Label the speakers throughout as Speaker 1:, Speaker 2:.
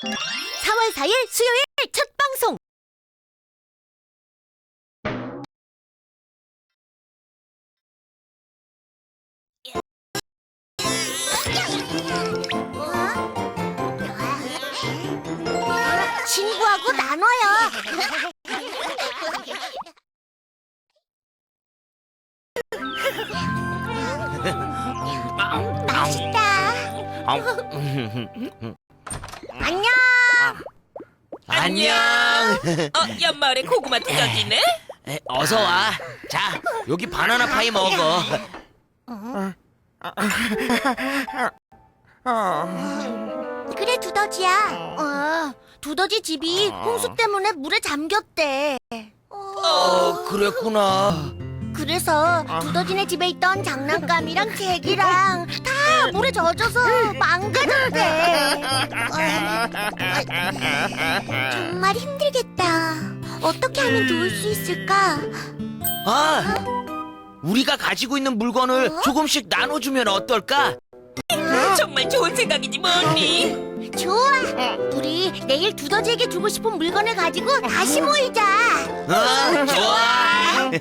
Speaker 1: 4월 4일 수요일 첫 방송. 친구하고 나눠요. 맛있다. 안녕.
Speaker 2: 안녕.
Speaker 3: 연마을에 고구마 두더지네?
Speaker 2: 어서 와. 자, 여기 바나나 파이 먹어.
Speaker 1: 그래, 두더지야. 두더지 집이 홍수 때문에 물에 잠겼대.
Speaker 2: 그랬구나.
Speaker 1: 그래서 두더지네 집에 있던 장난감이랑 책이랑 다 물에 젖어서 망가졌대. 정말 힘들겠다. 어떻게 하면 도울 수 있을까?
Speaker 2: 우리가 가지고 있는 물건을 조금씩 나눠주면 어떨까?
Speaker 3: 정말 좋은 생각이지 뭐니?
Speaker 1: 좋아. 우리 내일 두더지에게 주고 싶은 물건을 가지고 다시 모이자.
Speaker 2: 좋아.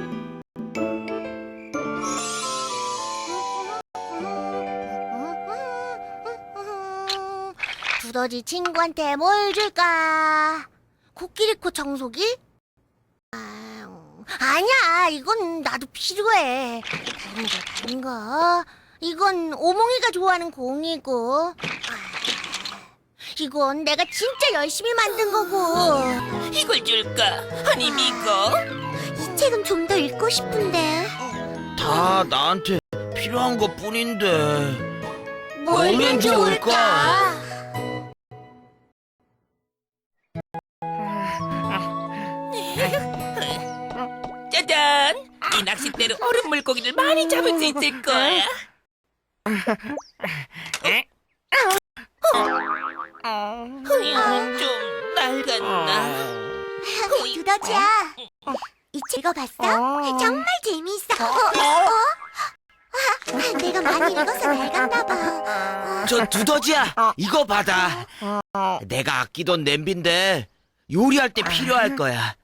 Speaker 1: 두더지 친구한테 뭘 줄까? 코끼리코 청소기? 아니야, 이건 나도 필요해. 다른 거. 이건 오몽이가 좋아하는 공이고. 이건 내가 진짜 열심히 만든 거고.
Speaker 3: 이걸 줄까? 아니면 이거?
Speaker 1: 이 책은 좀 더 읽고 싶은데.
Speaker 2: 다 나한테 필요한 것 뿐인데.
Speaker 1: 뭘면 좋을까?
Speaker 3: 짜잔! 이 낚싯대로 얼음 물고기를 많이 잡을 수 있을 거야. 좀 낡았나?
Speaker 1: 두더지야, 이 책 읽어봤어? 정말 재미있어. 내가 많이 읽어서 낡았나 봐.
Speaker 2: 저 두더지야, 이거 받아. 내가 아끼던 냄비인데 요리할 때 필요할 거야.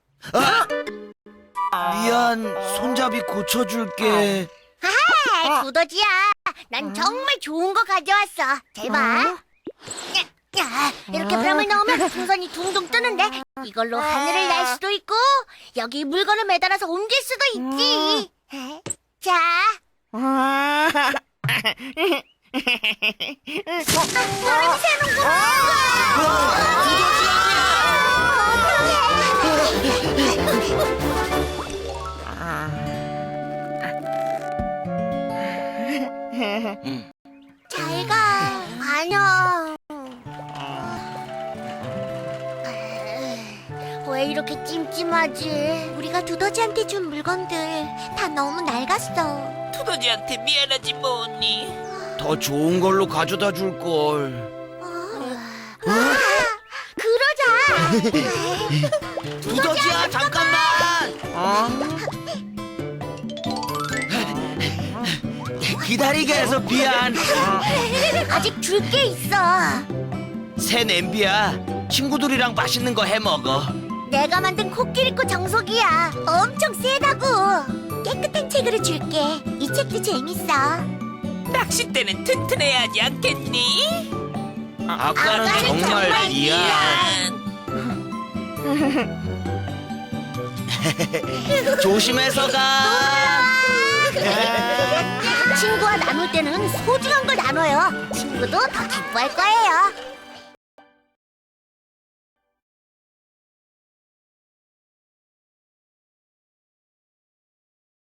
Speaker 2: 미안, 손잡이 고쳐줄게.
Speaker 1: 두더지야, 난 정말 좋은 거 가져왔어. 잘 봐. 이렇게 뱀을 넣으면 풍선이 둥둥 뜨는데 이걸로 하늘을 날 수도 있고 여기 물건을 매달아서 옮길 수도 있지. 자. 바람이 새는구나. 잘 가. 안녕. 왜 이렇게 찜찜하지? 우리가 두더지한테 준 물건들 다 너무 낡았어.
Speaker 3: 두더지한테 미안하지 뭐니?
Speaker 2: 더 좋은 걸로 가져다 줄걸.
Speaker 1: 그러자.
Speaker 2: 두더지야, 잠깐만. 기다리게 해서 미안.
Speaker 1: 아직 줄 게 있어.
Speaker 2: 새 냄비야. 친구들이랑 맛있는 거 해 먹어.
Speaker 1: 내가 만든 코끼리코 정속이야. 엄청 세다고. 깨끗한 책으로 줄게. 이 책도 재밌어.
Speaker 3: 낚싯대는 튼튼해야 하지 않겠니?
Speaker 2: 아까는 정말 미안. 조심해서 가.
Speaker 1: 친구와 나눌 때는 소중한 걸 나눠요. 친구도 더 기뻐할 거예요.